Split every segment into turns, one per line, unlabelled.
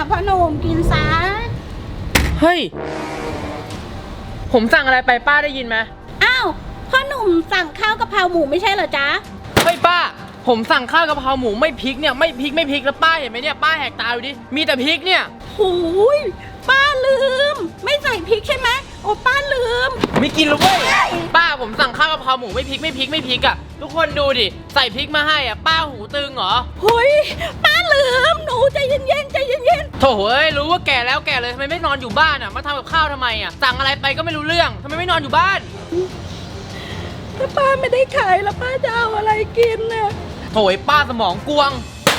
พ่อหนุ่มกินซะ
เฮ้ยผมสั่งอะไรไปป้าได้ยินไหม
อ้าวพ่อหนุ่มสั่งข้าวกะเพราหมูไม่ใช่เหรอจ๊ะ
เฮ้ยป้าผมสั่งข้าวกะเพราหมูไม่พริกเนี่ยไม่พริกแล้วป้าเห็นไหมเนี่ยป้าแหกตาดูดิมีแต่พริกเนี่ย
โอ้ยป้าลืมไม่ใส่พริกใช่ไหมโอ้ป้าลืม
ไม่กินหรอกเว้ยป้าผมสั่งข้าวกะเพราหมูไม่พริกอ่ะทุกคนดูดิใส่พริกมาให้อ่ะป้าหูตึงเหรอ
เฮ้ยป้าลืมหนูใจเย็น
โถเอ้ยรู้ว่าแก่แล้วแก่เลยทำไมไม่นอนอยู่บ้านอ่ะมาทำกับข้าวทำไมอ่ะสั่งอะไรไปก็ไม่รู้เรื่องทำไมไม่นอนอยู่บ้าน
ถ้าป้าไม่ได้ขายแล้วป้าจะเอาอะไรกินน่ะ
โถยป้าสมองกวง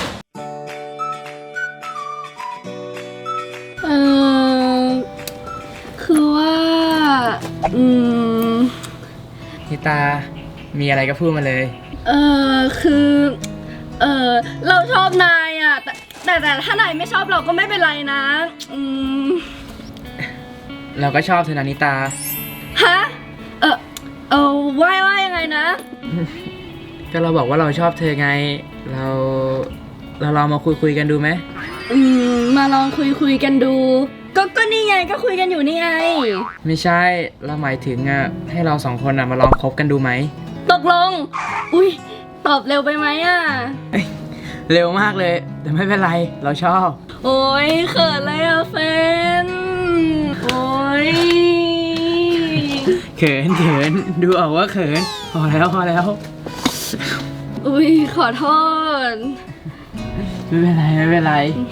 คือว่า
นิตามีอะไรก็พูดมาเลย
คือเราชอบนายอ่ะแต่ถ้านายไม่ชอบเราก็ไม่เป็นไรนะ
เราก็ชอบเธอนะนิตา
ฮะว่ายังไงนะ
ก็เราบอกว่าเราชอบเธอไงเราลองมาคุยกันดูไหม
มาลองคุยกันดูก็นี่ไงก็คุยกันอยู่นี่ไง
ไม่ใช่เราหมายถึงอ่ะให้เราสองคนอ่ะมาลองคบกันดูไหม
ตกลงอุ้ยตอบเร็วไปไหมอ่ะ
เร็วมากเลยแต่ไม่เป็นไรเราชอบ
โอ้ยเขินเลยอ่ะแฟนโอ้ย
เขินดูออกว่าเขินพอแล้ว
อุ้ยขอโทษ
ไม่เป็นไร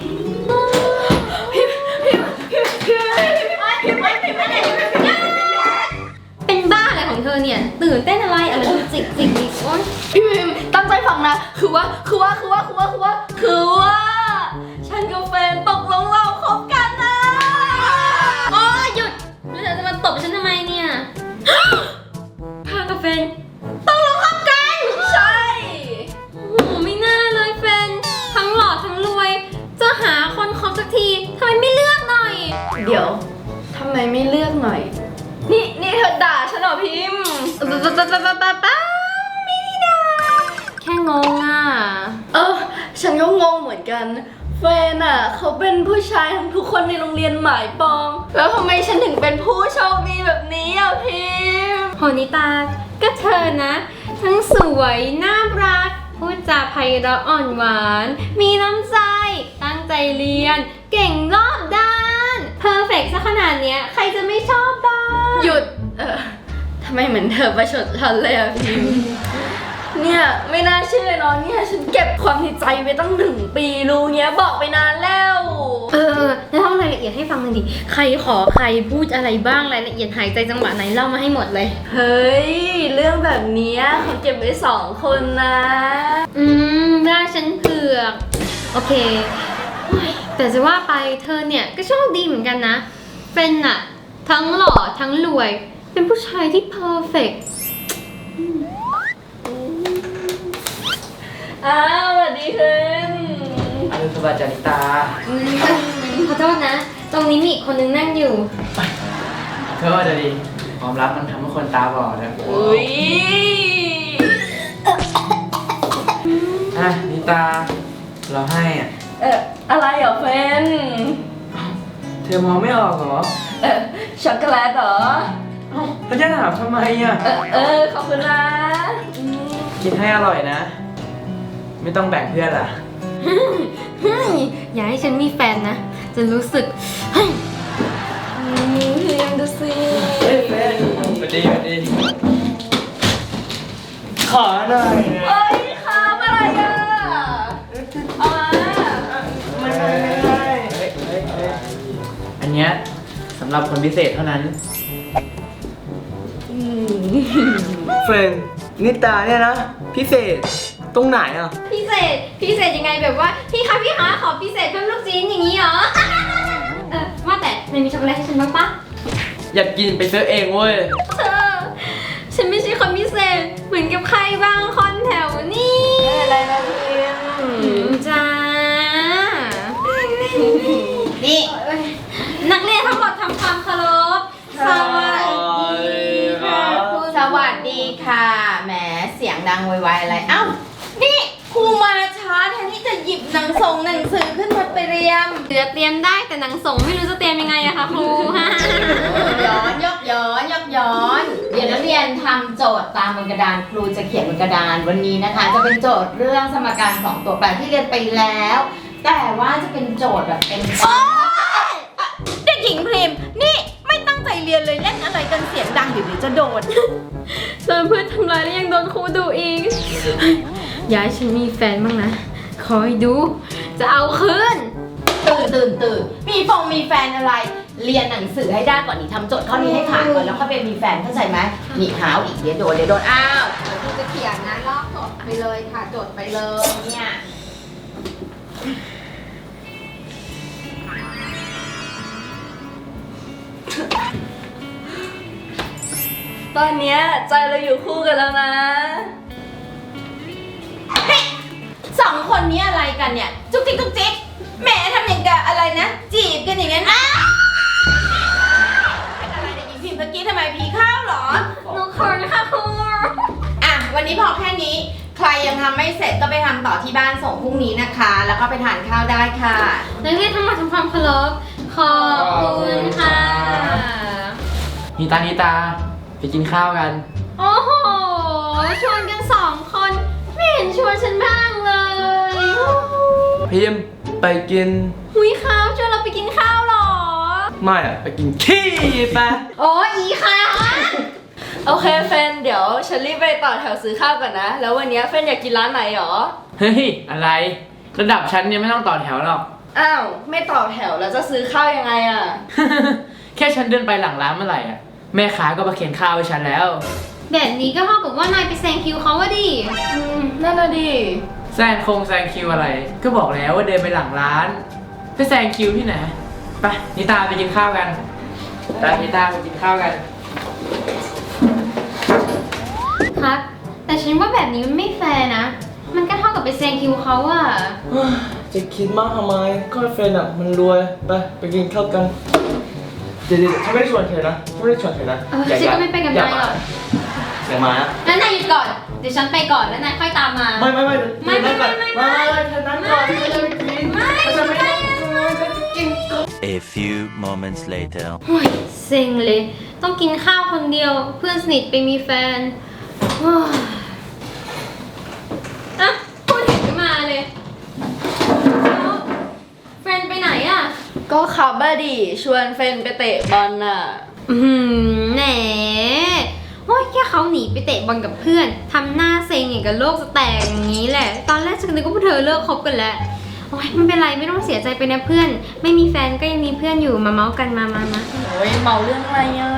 เป็นบ้าอะไรของเธอเนี่ยตื่นเต้นอะไรจิกอีกโอ๊ย
พี่พิมตั้งใจฟังนะคือว่าฉันกับแฟนตกลงเราคบกันนะ
โอ้หยุดแล้วเธอจะมาตบฉันทำไมเนี่ยพากับแฟนตกลงคบกัน
ใช่
โอ้โหไม่น่าเลยแฟนทั้งหล่อทั้งรวยจะหาคนคบสักทีทำไมไม่เลือกหน่อย
เดี๋ยวทำไมไม่เลือกหน่อยนี่เธอด่าฉันเหรอพิม
ไม่ได้ด่าแค่งงอ่ะ
ฉันก็งงเหมือนกันแฟนอ่ะเขาเป็นผู้ชายทั้งทุกคนในโรงเรียนหมายปองแล้วทำไมฉันถึงเป็นผู้โชคดีแบบนี้อ่ะพิม
โหนิตาก็เธอนะทั้งสวยน่ารักพูดจาไพเราะอ่อนหวานมีน้ำใจตั้งใจเรียนเก่งรอบด้านเพอร์เฟกต์ซะขนาดเนี้ยใครจะไม่ชอบบ้าง
หยุดทำไมเหมือนเธอประชดฉันเลยอ่ะพิมเนี่ยไม่น่าเชื่อเนาะเนี่ยฉันเก็บความในใจไปตั้ง1 ปีรู้เงี้ยบอกไปนานแล้ว
แล้วเล่ารายละเอียดให้ฟังหน่อยดิใครขอใครพูดอะไรบ้างรายละเอียดหายใจจังหวะไหนเล่ามาให้หมดเลย
เฮ้ยเรื่องแบบนี้เขาเก็บไว้2 คนนะ
ได้ฉันเผือกโอเคแต่จะว่าไปเธอเนี่ยก็โชคดีเหมือนกันนะเป็นอะทั้งหล่อทั้งรวยเป็นผู้ชายที่เพอร์เฟกต์
สวัสดีคุณ
อรุณสวัสดิ์จานิตา
ขอโทษนะตรงนี้มีอีกคนนึงนั่งอยู่
เธอว่าจะดีความรักมันทำให้คนตาบอดนะ
อุ้ย
นิตาเราให้
อะไรเหรอเฟน
เธอมองไม่ออกเหรอ
ช็อกโกแลตเหรอ
แล้วจะถามทำไมอ่ะ
ขอบคุณนะ
กินให้อร่อยนะไม่ต้องแบ่งเพื่อนล่ะ
อย่าให้ฉันมีแฟนนะจะรู้สึก
เรียนดูสิ
แฟนสวัสดีขอหน่อย
ค่ะอะไรอ่ะ
ไม่อันเนี้ยสำหรับคนพิเศษเท่านั้น
เฟรนนิตาเนี่ยนะพิเศษตรงไหนอ่ะ
พิเศษยังไงแบบว่าพี่คะขอพิเศษเพิ่มลูกชิ้นอย่างนี้เหรอว่าแต่มันมีช็อกโกแลตให้ฉันบ้างปะ
อยากกินไปซื้อเองเว้ย
ฉันไม่ใช่คนพิเศษเหมือนกับใครบางคนแถวนี้
อะไรนะพิม
จ้านี่นักเรียนทั้งหมดทำความเคารพสวัสดีค่ะ
สวัสดีค่ะแหมเสียงดังไวๆอะไรเอ้านี่ครูมาช้าแทนที่จะหยิบหนังส่งหนังสือขึ้นมาเตรียม
เสือเตรียมได้แต่หนังส่งไม่รู้จะเตรียมยังไงอะคะครู
ย้อนยกย้อนยกย้อน เดี๋ยวนักเรียนทำโจทย์ตามบนกระดานครูจะเขียนบนกระดานวันนี้นะคะ จะเป็นโจทย์เรื่องสมการ2ตัวแปรที่เรียนไปแล้ว แต่ว่าจะเป็นโจทย์แบบเป็นเด็กหญิงพริมนี่ไม่ตั้งใจเรียนเลยเล่นอะไรกันเสียงดังเดี๋ยวจะโดน
โดนเพื่อนทำร้ายแล้วยังโดนครูดุอีกอย่าให้ฉันมีแฟนบ้างนะคอยดูจะเอาคืน
ตื่นมีแฟนอะไร เรียนหนังสือให้ได้ก่อนนี่ทำโจทย์ข้อนี้ให้ผ่านก่อนแล้วค่อยไปมีแฟนเข้าใจไหมนี่หาวอีกเดี๋ยวโดนอ้าวเดี๋ยวครูจะเขียนนะลอกโจทย์ไปเลยค่ะโจทย์ไปเลยเนี่ย
ตอนเนี้ยใจเราอยู่คู่กันแล้วนะ
สองคนนี้อะไรกันเนี่ยจุกจิกจุกจิกแหมทำอย่างกับอะไรนะจีบกันอย่างนั้นเป็นอะไรเด็กหญิงพิมพ์เมื่อกี้ทำไมผีเข้าเหรอ
หนูขอนะคะครู
อ่ะวันนี้พอแค่นี้ใครยังทำไม่เสร็จก็ไปทำต่อที่บ้านส่งพรุ่งนี้นะคะ แล้วก็ไปทานข้าวได้ค่ะ
นักเรียนทั้งหมดทำความเคารพขอบคุณค่ะ
นิตาไปกินข้าวกัน
โอ้โหชวนกัน2 คนไม่เห็นชวนฉันบ้างเลย
พิมพ์ไปกิน
หุยข้าวชวนเราไปกินข้าวเหรอ
ไม่อะไปกินขี้ไป
โอ้อีค่ะ
โอเคเฟนเดี๋ยวฉันรีบไปต่อแถวซื้อข้าวก่อนนะ แล้ววันเนี้ยเฟนอยากกินร้านไหนหรอ
เฮ้ย อะไร ระดับฉันเนี่ยไม่ต้องต่อแถวหรอก
อ้าวไม่ต่อแถวแล้วจะซื้อข้าวยังไงอะ
แค่ฉันเดินไปหลังร้านเมื่อไหร่อ่ะแม่ค้าก็มาเข็นข้าวให้ฉันแล้ว
แบบนี้ก็เท่ากับว่านายไปแซงคิวเขาว่าดิ
นั่นน่ะดิ
แซงคิวอะไร ก็บอกแล้วว่าเดินไปหลังร้านไปแซงคิวที่ไหนไปนิตาไปกินข้าวกันนิตาไปกินข้าวกัน
ครับ แต่ฉันว่าแบบนี้มันไม่แฟร์นะ มันก็เท่ากับไปแซงคิวเขาอะ
จะคิดมากทำไมก็เฟรนอะมันรวยไปกินข้าวกันเดี๋ยวฉันไม่ได้ชวนเธอนะฉันไม่ได้ชวนเธอนะ
ฉันก็ไม่ไปกับนายหรอก
อย่ามานะ
แล้วนายหยุดก่อน เดี๋ยวฉันไปก่อนแล้วนายค่อยตามมา
ไม่
ไม่เธอนั้นก่อน
A few moments later.
โอ้ยเซ็งเลย ต้องกินข้าวคนเดียว เพื่อนสนิทไปมีแฟนโอ้ยอ่ะพูดถึงก็มาเลยแล้วแฟนไปไหนอะ
ก็ขับบ้าดิชวนเฟนไปเตะบอลน่ะ
แหนโอ้ยแค่เขาหนีไปเตะบอลกับเพื่อนทำหน้าเซ็งอย่างกับโลกจะแตกอย่างนี้แหละ ตอนแรกฉันนึกว่าพวกเธอเลิกคบกันแล้วโอ้ยไม่เป็นไรไม่ต้องเสียใจไปนะเพื่อน ไม่มีแฟนก็ยังมีเพื่อนอยู่มาเมาส์กันมา
โอ้ยเมาเรื่องอะไรอ่ะ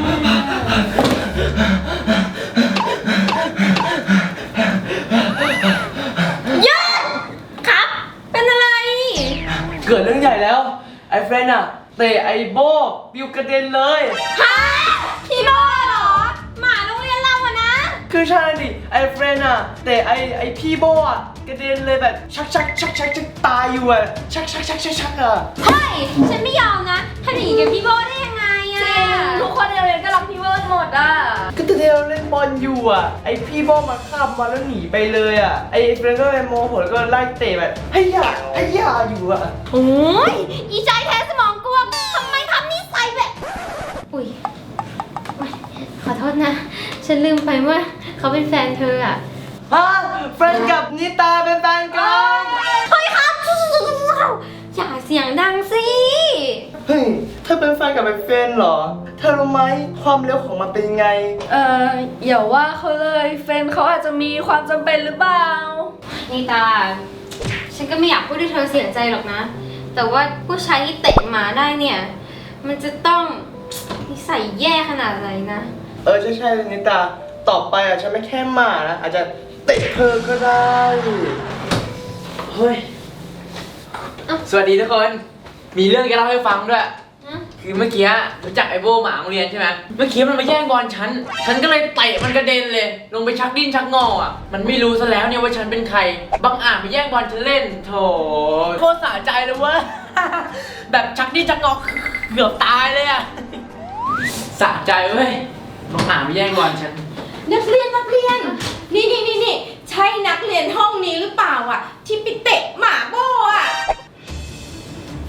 ครับ เป็นอะไร
เกิดเรื่องใหญ่แล้วไอ้เฟรนอะเตะไอ้โบปิวกระเด็นเลย
ฮะพี่โบ้เหรอ หมาโรงเรียนเราอะนะ
คือใช่ดิไอ้เฟรนอะแต่ไอ้พี่โบอะกระเด็นเลยแบบชักตายอยู่อะชักอะ
เฮ้ย ฉันไม่ยอมนะทำอย่างนี้กับพี่โบ้ได้ยังไงอะ
ทุกคนในโรงเรียนก็รักพี่เวิร์ดหมดอ่ะ
ก็ตอนที่เราเล่นบอลอยู่อะไอ้พี่โบมาข้ามมาแล้วหนีไปเลยอะไอ้เฟรนก็เลยโมโหแล้วก็ไล่เตะแบบให้ยาอยู่อะ
โอ้ยอีใจแท้สมองกวงทำไมทำนิสัยแบบ อุ๊ยขอโทษนะ ฉันลืมไปว่าเขาเป็นแฟนเธออะ
ฮะเฟรนกับนิตาเป็นแฟนกัน
เฮ้ยครับอย่าเสียงดังสิ
เฮ้ยเธอเป็นแฟนกับไอ้เฟรนเหรอเธอรู้ไหมความเร็วของมันเป็นไง
อย่าว่าเขาเลยเฟนเขาอาจจะมีความจำเป็นหรือเปล่า
นี่ตา ฉันก็ไม่อยากพูดให้เธอเสียใจหรอกนะ แต่ว่าผู้ชายที่เตะหมาได้เนี่ย มันจะต้องนิสัยแย่ขนาดไหนนะ
ใช่นิตาต่อไปอะฉันไม่แค่หมานะอาจจะเตะเธอก็ได้เฮ้ย
สวัสดีทุกคน มีเรื่องจะเล่าให้ฟังด้วย
ฮะ
คือเมื่อกี้รู้จักไอโบหมาโรงเรียนใช่ไหมเมื่อกี้มันมาแย่งบอลฉันก็เลยเตะมันกระเด็นเลย ลงไปชักดิ้นชักงออ่ะ มันไม่รู้ซะแล้วเนี่ยว่าฉันเป็นใคร บังอาจมาแย่งบอลฉันเล่น โถโคตรสะใจเลยเว้ย แบบชักดิ้นชักงอเกือบตายเลยอ่ะ สะใจเว้ย บังอาจมาแย่งบอลฉัน
นักเรียนนี่ใช่นักเรียนห้องนี้หรือเปล่าอ่ะที่ไปเตะหมาโบ้อ่ะ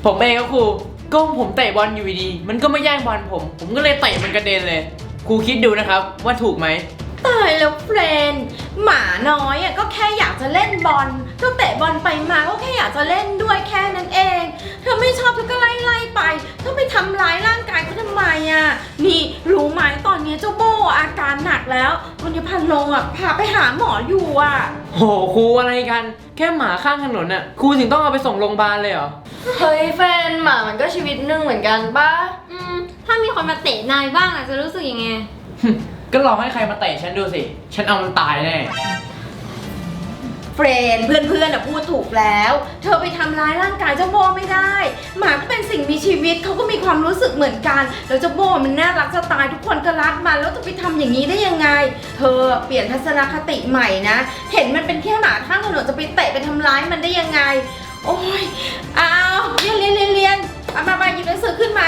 ผมเองครับครูก็ผมเตะบอลอยู่ดีๆมันก็ไม่แย่งบอลผมก็เลยเตะมันกระเด็นเลยครูคิดดูนะครับว่าถูกไหม
ตายแล้วเฟรนด์หมาน้อยอ่ะก็แค่อยากจะเล่นบอลก็เตะบอลไปมาก็แค่อยากจะเล่นด้วยแค่นั้นเองเธอไม่ชอบเธอก็ไล่ไปเธอไปทำร้ายร่างกายเขาทำไมอ่ะนี่รู้ไหมตอนนี้เจ้าโบอาการหนักแล้ววันนี้พันลงอ่ะพาไปหาหมออยู่อ่ะ
โหครูอะไรกันแค่หมาข้างถนนน่ะครูถึงต้องเอาไปส่งโรงพยาบาลเลยเหรอ
เฮ้ยแฟนหมามันก็ชีวิตหนึ่งเหมือนกันป่ะ
ถ้ามีคนมาเตะนายบ้างอะจะรู้สึกยังไง
ก็ลองให้ใครมาเตะฉันดูสิ ฉันเอามันตายแน่
เฟรนด์เพื่อนๆพูดถูกแล้ว เธอไปทำร้ายร่างกายเจ้าโบไม่ได้ หมาก็เป็นสิ่งมีชีวิตเขาก็มีความรู้สึกเหมือนกันแล้วเจ้าโบมันน่ารักจะตายทุกคนก็รักมันแล้วจะไปทำอย่างนี้ได้ยังไง เธอเปลี่ยนทัศนคติใหม่นะ เห็นมันเป็นแค่หมาข้างถนนจะไปเตะไปทำร้ายมันได้ยังไง โอ้ยอ้าวเรียนเอามาหยิบหนังสือขึ้นมา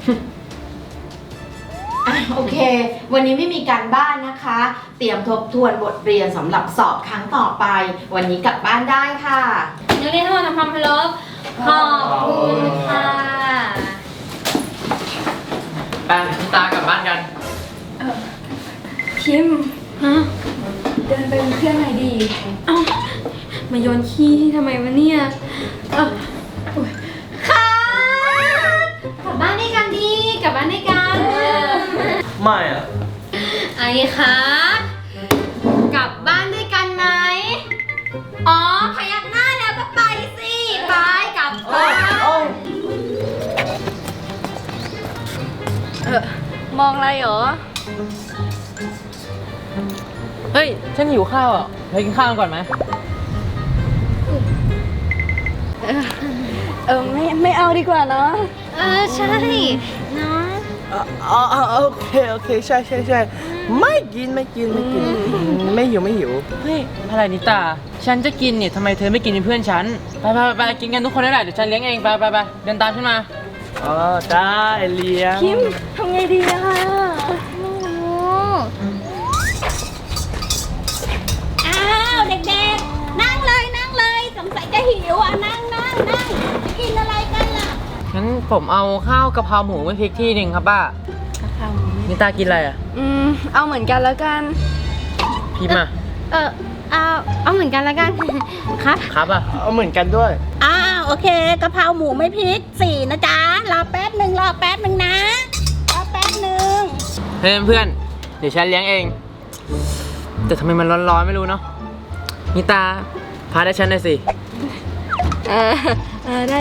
โอเค วันนี้ไม่มีการบ้านนะคะ เตรียมทบทวนบทเรียนสำหรับสอบครั้งต่อไป วันนี้กลับบ้านได้ค่ะ
นักเรียนทุกคนทำความเคารพขอบคุณค่ะ
ไปตากลับบ้านกัน
พิมพ์
ฮะ
เดินไปเป็นเพื่อนหน่อยดี
เอ้ามาโยนขี้ทำไมวะเนี่ยค่ะกลับบ้านด้วยกันดีกลับบ้านด้วยกัน
ไม่อ่ะ
ไอ้คะกลับบ้านด้วยกันไหมอ๋อพยักหน้าแล้วก็ไปสิไปกลับบ้าน
มองอะไรเหรอ
เฮ้ย ฉันหิวข้าวอ่ะไปกินข้าวกันก่อนไหม
ไม่เอาดีกว่าเนาะ
ใช่เนาะ
โอเคใช่ไม่กินไม่หิว
เฮ้ยอะไรนิตา ฉันจะกินเนี่ยทำไมเธอไม่กินเป็นเพื่อนฉัน ไปกินกันทุกคนได้แหละเดี๋ยวฉันเลี้ยงเองไปเดินตามฉันมา
อ๋อได้เลี้ยง
พิมพ์ทำไงดีอะคะ
อ้าวเด็กๆ นั่งเลยสงสัยจะหิวอ่ะนั่งจะกินอะไรกันล่ะ
งั้นผมเอาข้าวกะเพราหมูไม่พริกที่หนึ่งครับป้า นิตากินอะไรอ่ะ
เอาเหมือนกันแล้วกัน
พิมพ์อ่ะ
เอาเหมือนกันแล้วกัน ครับ
ครับอ่ะ
เอาเหมือนกันด้วย
อ้าวโอเคกะเพราหมูไม่พริก4นะจ๊ะรอแป๊บหนึ่งนะรอแป๊บหนึ่ง
เฮ้ยเพื่อนเดี๋ยวฉันเลี้ยงเอง แต่ทำไมมันร้อนๆไม่รู้เนาะ นิตาพาได้ฉันหน่อยสิ
ได้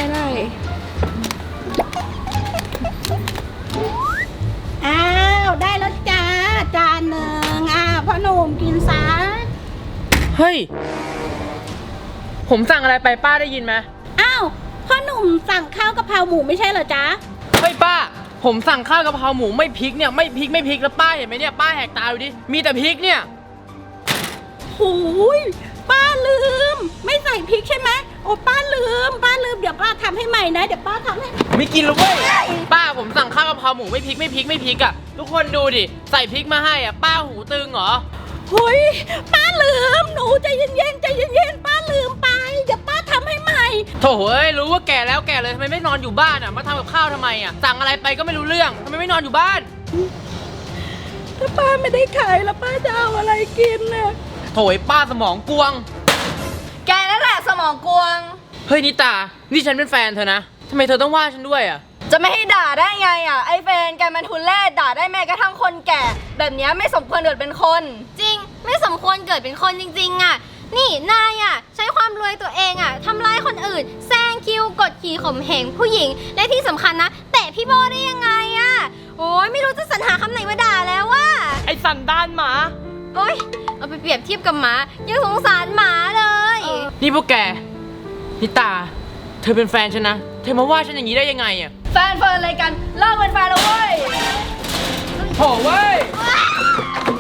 อ้าวได้แล้วจ้าจานหนึ่งพ่อหนุ่มกินซะ
เฮ้ย ผมสั่งอะไรไปป้าได้ยินไหม
อ้าวพ่อหนุ่มสั่งข้าวกะเพราหมูไม่ใช่เหรอจ๊ะ
เฮ้ยป้า ผมสั่งข้าวกะเพราหมูไม่พริกเนี่ยไม่พริกแล้วป้าเห็นไหมเนี่ยป้าแหกตาดูดิ มีแต่พริกเนี่ย
หูยป้าลืม ไม่ใส่พริกใช่ไหมโอ้ป้าลืมเดี๋ยวป้าทำให้ใหม่นะเดี๋ยวป้าทำให้
ไม่กินแล้วเว้ย ป้าผมสั่งข้าวกะเพราหมูไม่พริกอ่ะ ทุกคนดูดิ ใส่พริกมาให้อ่ะ ป้าหูตึงเหรอ
เฮ้ยป้าลืมหนูใจเย็นป้าลืมไปเดี๋ยวป้าทำให้ใหม่
โถ่เอ้ยรู้ว่าแก่แล้วแก่เลยทำไมไม่นอนอยู่บ้านอ่ะ มาทำกับข้าวทำไมอ่ะ สั่งอะไรไปก็ไม่รู้เรื่องทำไมไม่นอนอยู่บ้าน
ถ้าป้าไม่ได้ขายแล้วป้าจะเอาอะไรกินน่ะ
โถ่ไอ้ป้าสมองกวง
แกนั่นแหละสมองกวง
เฮ้ยนิตา นี่ฉันเป็นแฟนเธอนะทำไมเธอต้องว่าฉันด้วยอ่ะ
จะไม่ให้ด่าได้ไงอ่ะ ไอ้แฟนแกมันทุนแร่ด่าได้แม้กระทั่งคนแก่ แบบเนี้ยไม่สมควรเกิดเป็นคน
จริงไม่สมควรเกิดเป็นคนจริงๆอ่ะ นี่นายอ่ะใช้ความรวยตัวเองอ่ะทำร้ายคนอื่นแซงคิวกดขี่ข่มเหงผู้หญิงและที่สำคัญนะเตะพี่โบได้ยังไงอ่ะโอ้ยไม่รู้จะสรรหาคำไหนมาด่าแล้วว่า
ไอ้สันดานหมา
โอ๊ยเอาไปเปรียบเทียบกับหมายังสงสารหมาเลย
นี่พวกแกนิตา เธอเป็นแฟนฉันนะ เธอมาว่าฉันอย่างนี้ได้ยังไงอ่ะ
แฟนเฟิร์นอะไรกันเลิกเป็นแฟนแล้วเว้ย
โถ่เว้ย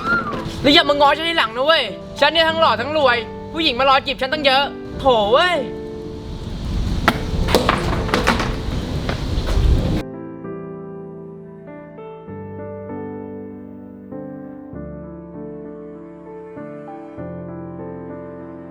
แล้วอย่ามาง้อฉันทีหลังนะเว้ย ฉันเนี่ยทั้งหล่อทั้งรวย ผู้หญิงมารอจีบฉันตั้งเยอะ โถ่เว้ย